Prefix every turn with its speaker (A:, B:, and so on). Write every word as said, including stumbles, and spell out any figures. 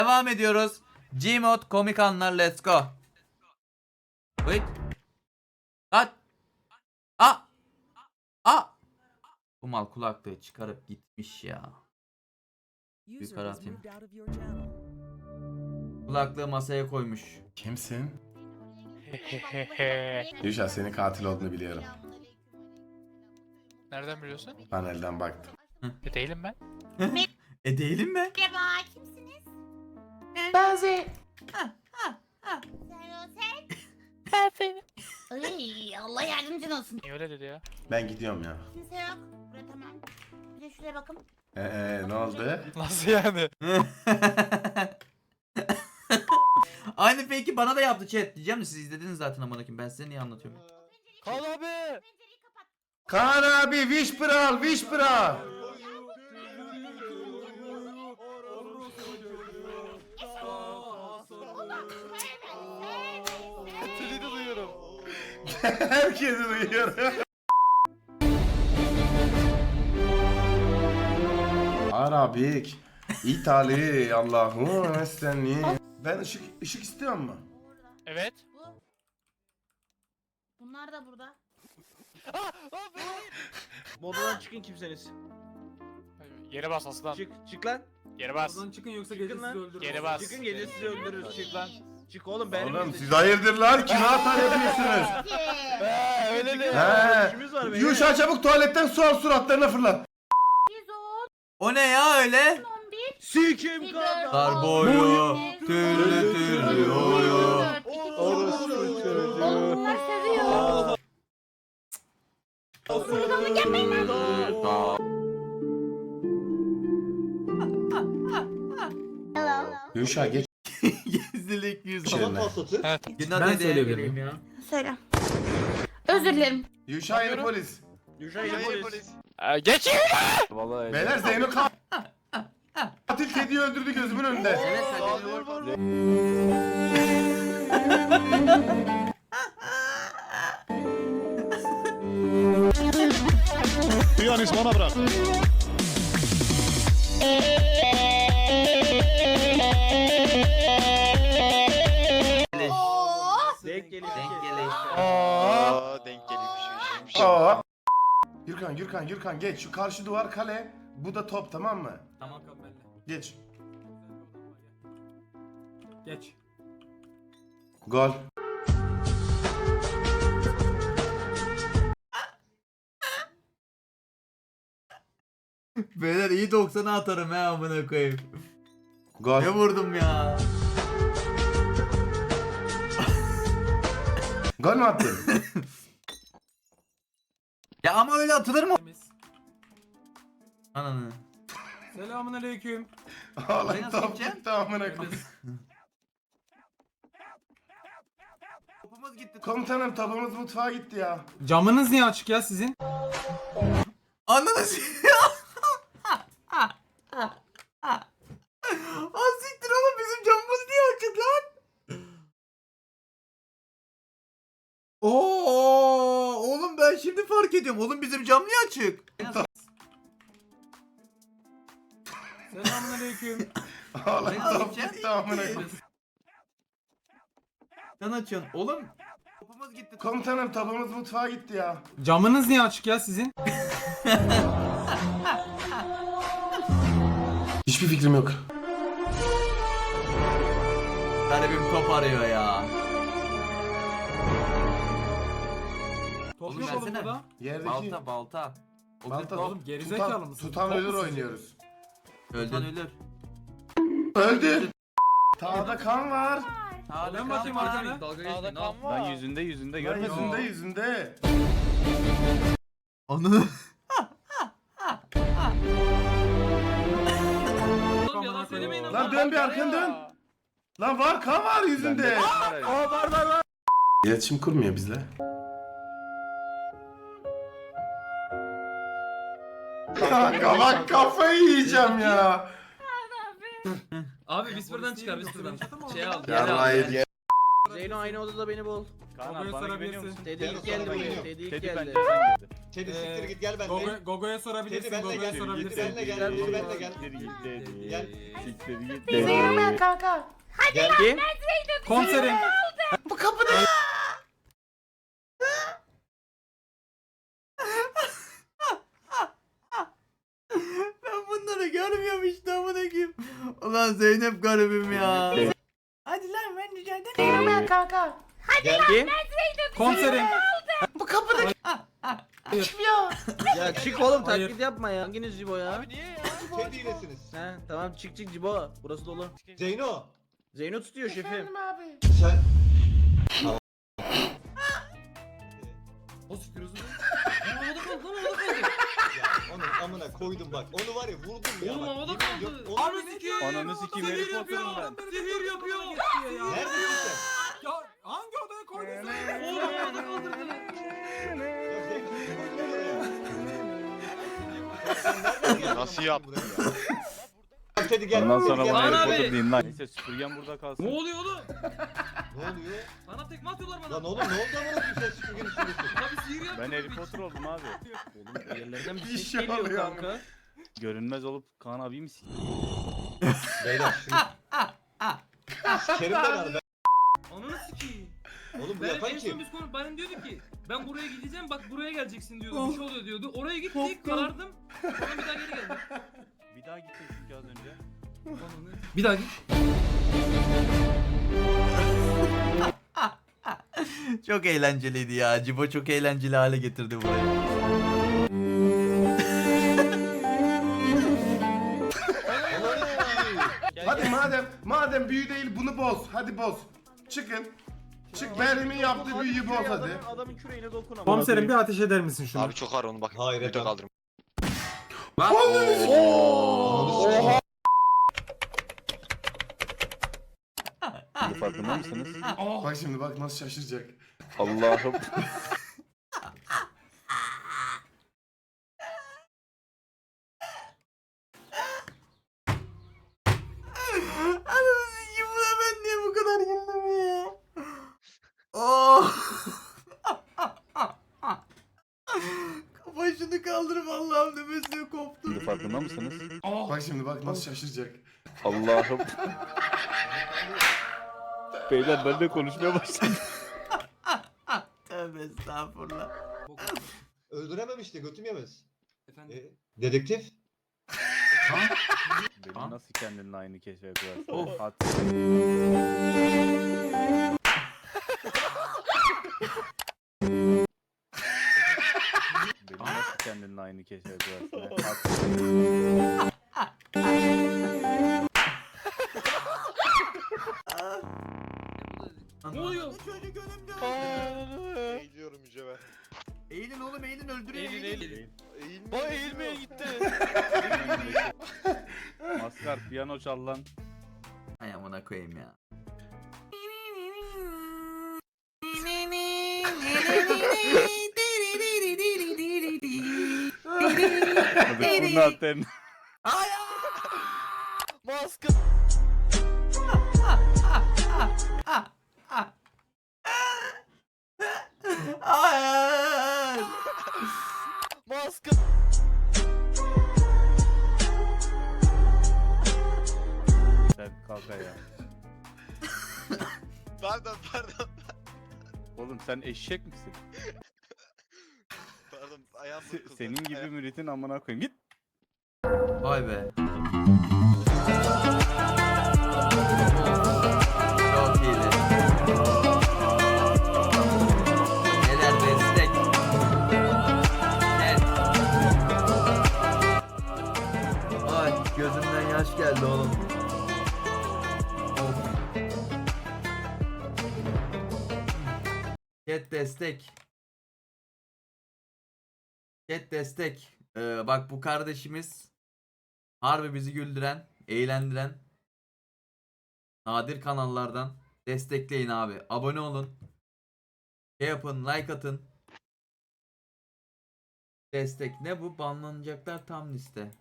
A: Devam ediyoruz. Gmod komik anlar, let's go. Wait. At. A. A. Bu mal kulaklığı çıkarıp gitmiş ya. Yukarı atayım. Kulaklığı masaya koymuş.
B: Kimsin? Yuşa senin katil olduğunu biliyorum.
C: Nereden biliyorsun?
B: Panelden baktım.
C: E değilim ben.
A: E değilim mi?
D: Merhaba, kimsiniz?
A: Bazı.
D: Sen Ay, Allah yardımcın olsun.
C: Niye öyle dedi ya?
B: Ben gidiyorum ya.
D: Kimse yok. Buraya tamam. Bir de şuraya bakın.
B: Eee ne oldu?
C: Nasıl yani?
A: Aynı fake'i bana da yaptı chat. Diyeceğim de siz izlediniz zaten amına koyayım. Ben size niye anlatıyorum?
C: Kal abi.
D: Pencereyi kapat.
B: Kaan abi Whisperal Whisperal.
C: Seni de duyuyorum.
B: Herkesi duyuyor. Arabik. İtali Allah'ım estenli. Ben ışık ışık istiyor mu?
C: Evet.
D: Bu. Bunlar da burada.
E: Modadan çıkın kimseniz.
C: Yere bas aslan.
E: Çık, çık lan.
C: Yere bas.
F: Oradan çıkın yoksa
E: Çıkın
F: gece sizi
E: lan.
F: öldürürüz.
C: Geri bas.
E: Çıkın gece sizi öldürürüz. Çık lan. Çık oğlum benim.
B: Oğlum
E: bizde-
B: siz hayırdır lan? Kime hata yapıyorsunuz?
C: He öyle
E: Çıkın
C: de.
E: lan,
B: He.
E: işimiz var be.
B: Yuşa çabuk tuvaletten su al suratlarına fırlat.
D: yüz on,
A: O ne ya öyle?
D: on bir.
E: Sikim kadar.
A: Kar boyu. Türlü türlü oyu.
D: Onlar seviyor. Sırılığını gelmeyin lan. Hello.
B: Yuşa geç
A: Gizlilik yüz.
B: içerine.
C: Evet.
F: Ben söyleyebilirim ya.
D: Söyle. Özür dilerim.
B: Yuşa yeni polis.
E: Yuşa yeni polis.
C: Ee, geç.
B: Beyler Zeyno ka- katil kediyi öldürdü gözümün önünde.
A: Evet
G: Piyanist bana bırak.
E: Denk geliyor.
A: Denk geliyor.
C: Aa.
H: Denk geliyormuş.
B: Aa. Gürkan Gürkan Gürkan geç şu karşı duvar kale. Bu da top tamam mı?
F: Tamam kal benimle.
B: Geç.
F: Geç.
B: Gol.
A: Beyler iyi doksan'a atarım he amına koyayım.
B: Gol.
A: Ne vurdum ya?
B: Gol mü attın?
A: Ya ama öyle atılır mı?
F: Temiz.
A: Ananı.
F: Selamun aleyküm.
B: Ağlayın
A: Oraya nasıl
B: top
A: gideceğim?
B: gitti amına koyayım.
A: Topumuz gitti.
B: Komutanım topumuz mutfağa gitti ya.
F: Camınız niye açık ya sizin?
A: Ananı s- Az siktir oğlum bizim camımız niye açık lan? Oo oğlum ben şimdi fark ediyorum. Oğlum bizim cam niye açık?
F: Selamun aleyküm.
B: Ağlayın
A: Oraya
B: top
A: gideceğim.
B: gitti amına koyayım.
A: Sen açıyorsun. Oğlum topumuz gitti.
B: Komutanım topumuz mutfağa gitti ya.
F: Camınız niye açık ya sizin?
B: Hiçbir fikrim yok.
A: Garibim top arıyor ya.
F: Top
A: Oğlum
F: yok oğlum
A: versene.
F: burada.
B: Yerdeki
A: Balta balta. O bir
B: Balta-
A: top.
F: Oğlum gerizekalı
B: tutan,
F: mısın?
B: tutan
F: Top
B: ölür
F: musun?
B: oynuyoruz.
A: Öldün ölür.
B: Öldü. Tağda kan var.
F: Ben bakayım arkana.
C: Sağda kan var.
I: Lan yüzünde yüzünde
B: Lan
I: görmedin mi?
B: yüzünde yüzünde.
A: Ananı.
F: Oğlum yalan söylemeyin ama.
B: Lan dön bir arkanı dön. Lan var kan var yüzünde.
E: Aa var var var.
B: İletişim kurmuyor bizle. Kanka bak kafayı yiyeceğim ya.
F: Abi Whisper'dan çıkar Whisper'dan. Şey al.
B: Yarrayı
E: Zeyno aynı odada beni bul.
I: Kaan
F: Babaya
I: abi bana güveniyor
F: sarabilirsin.
I: musun?
E: Teddy ilk geldi buraya. Teddy ilk
I: Teddy
E: geldi.
I: pencereden girdi.
H: Teddy siktir
F: Ee,
H: git gel benimle.
F: Gogo, Gogo'ya sorabilirsin.
H: Teddy benle
F: Gogo'ya
H: gel.
F: sorabilirsin.
H: Teddy benle gel. Teddy benle gel. Gel.
D: Zeyno ben kanka.
H: Gel.
E: Kim?
F: Komiserim.
B: Bu kapıda.
A: Ben bunları görmüyorum işte amına koyayım. Ulan Zeynep garibim ya. Hadi lan ben rica ederim.
D: Zeyno ben kanka.
H: Gel.
E: Kim?
F: Komiserim.
B: Bu kapıda. Kim ya?
E: Ya çık oğlum
F: Hayır.
E: taklit yapma ya. Hanginiz Cibo ya?
C: Abi niye ya?
H: Teddy ilesiniz.
E: He tamam çık çık Cibo. Burası dolu.
H: Zeyno.
E: Zeyno tutuyor şefim.
D: Efendim abi.
H: Sen.
F: O siktir özür dilerim. Havada kaldı lan havada kaldı.
H: Ya onun amına koydum bak. Onu var ya vurdum ya.
F: Oğlum
H: bak.
F: havada
H: Yemin ediyorum,
F: kaldı.
H: onu-
F: Ananı sikeyim.
E: Ananı sikeyim,
F: Sihir
E: Harry
F: yapıyor.
E: Potter'ım
F: Sihir yapıyor.
H: Neredesin sen?
F: Ya hangi odaya koydun sen? Oğlum havada kaldırdın.
H: Ya Zeyno, seni koydum oraya. Ya sen nereden geldin
C: Nasıl
H: amına
C: yaptın
H: koyayım buraya? Bak Teddy gel.
E: Ondan
H: Teddy
E: sonra
H: gel.
E: bana
F: Kaan
E: Harry
F: abi.
E: Potter deyin lan. Neyse süpürgen burada kalsın.
F: Ne oluyor oğlum?
H: Ne oluyor?
F: Sana tekme atıyorlar bana.
H: Lan oğlum ne oldu amına koyayım sen süpürgenin üstündesin?
F: Tabii sihir yapıyor.
E: Ben Harry Potter oldum abi. Oğlum yerlerden bir
B: Bir
E: ses
B: şey
E: geliyor
B: oluyor
E: kanka. Görünmez olup Kaan abi misin?
H: Beyler şunu. Sikerim ben abi.
F: Ananı sikeyim.
H: Oğlum bu
F: Ben
H: yapan
F: en son
H: kim?
F: biz konu benim diyordu ki ben buraya gideceğim bak buraya geleceksin diyordu.
A: Oh.
F: Bir şey oluyor diyordu. Oraya gittik
A: Korktum.
F: karardım. Sonra bir daha geri geldim.
E: Bir daha gittin çünkü az önce.
F: Ananı. Bir daha git.
A: Çok eğlenceliydi ya. Cibo çok eğlenceli hale getirdi burayı.
H: Ananı sikeyim.
B: Hadi madem madem büyü değil bunu boz. Hadi boz. Çıkın. Çık Meryem'in yaptığı büyüyü boz hadi.
E: Adamın, adamın küreğine dokun ama.
F: Komiserim bir ateş eder misin şunu?
C: Abi çok ağır onu bak.
H: Hayır,
C: Video
H: efendim.
C: kaldırım.
H: Ananı sikeyim.
E: Farkında mısınız?
B: Bak şimdi bak nasıl şaşıracak.
E: Allah'ım.
A: Ananı sikeyim buna ben niye bu kadar güldüm ya? Oh. Başını kaldırıp Allah'ım nefesine koptu.
E: Farkında mısınız?
B: Bak şimdi bak nasıl şaşıracak.
E: Allah'ım. Beyler ben de konuşmaya başladım.
A: Tövbe estağfurullah.
H: Öldürememişti götüm yemez.
F: Efendim.
H: E, dedektif.
E: Benim nasıl kendinle aynı keşfe koyarsın?
A: Of.
E: At. Benim nasıl kendinle aynı keşfe koyarsın? At.
F: Ne oluyor?
A: Çocuk önümde.
C: Eğiliyorum yüce
A: Eğilin oğlum eğilin öldürün
C: Eğilin
A: eğilin.
C: eğilin. Eğilme. O eğilmeye gitti.
E: Maskar piyano çal lan.
A: Ay amına koyayım ya.
E: Hadi kurnaten.
C: Maske.
A: Hayır.
C: Maske.
E: Sen kalk ayağa.
C: Pardon pardon.
E: Oğlum sen eşek misin?
C: Pardon ayağım
E: Se-
C: burkuldu.
E: senin gibi
C: Ayağım-
E: müritin amına koyayım. Git.
A: Vay be. Çok iyiydi. Neler destek. Net. Ay gözümden yaş geldi oğlum. Of. Chat destek. Chat destek. Ee, bak bu kardeşimiz harbi bizi güldüren, eğlendiren nadir kanallardan. Destekleyin abi. Abone olun. Şey yapın, like atın. Destek ne bu? Banlanacaklar tam liste.